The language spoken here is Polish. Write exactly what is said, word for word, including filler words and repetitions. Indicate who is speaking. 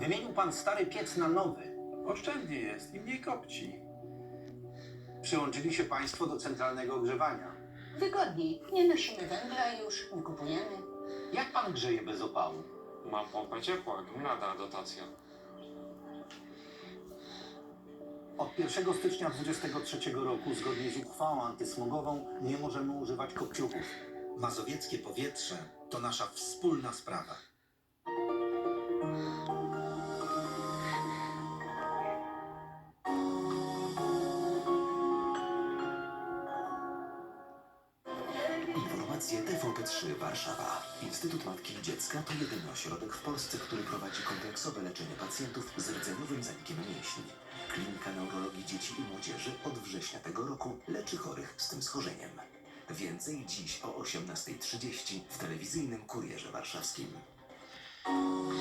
Speaker 1: Wymienił pan stary piec na nowy.
Speaker 2: Oszczędnie jest i mniej kopci.
Speaker 1: Przyłączyli się państwo do centralnego ogrzewania.
Speaker 3: Wygodniej. Nie nosimy węgla już, nie kupujemy.
Speaker 1: Jak pan grzeje bez opału?
Speaker 4: Mam pompę ciepła, gmina dotacja.
Speaker 1: Od pierwszego stycznia dwudziestego trzeciego roku, zgodnie z uchwałą antysmogową, nie możemy używać kopciuchów. Mazowieckie powietrze to nasza wspólna sprawa.
Speaker 5: Informacje T V P trzy Warszawa. Instytut Matki i Dziecka to jedyny ośrodek w Polsce, który prowadzi kompleksowe leczenie pacjentów z rdzeniowym zanikiem mięśni. Klinika Neurologii Dzieci i Młodzieży od września tego roku leczy chorych z tym schorzeniem. Więcej dziś o osiemnastej trzydzieści w telewizyjnym Kurierze Warszawskim.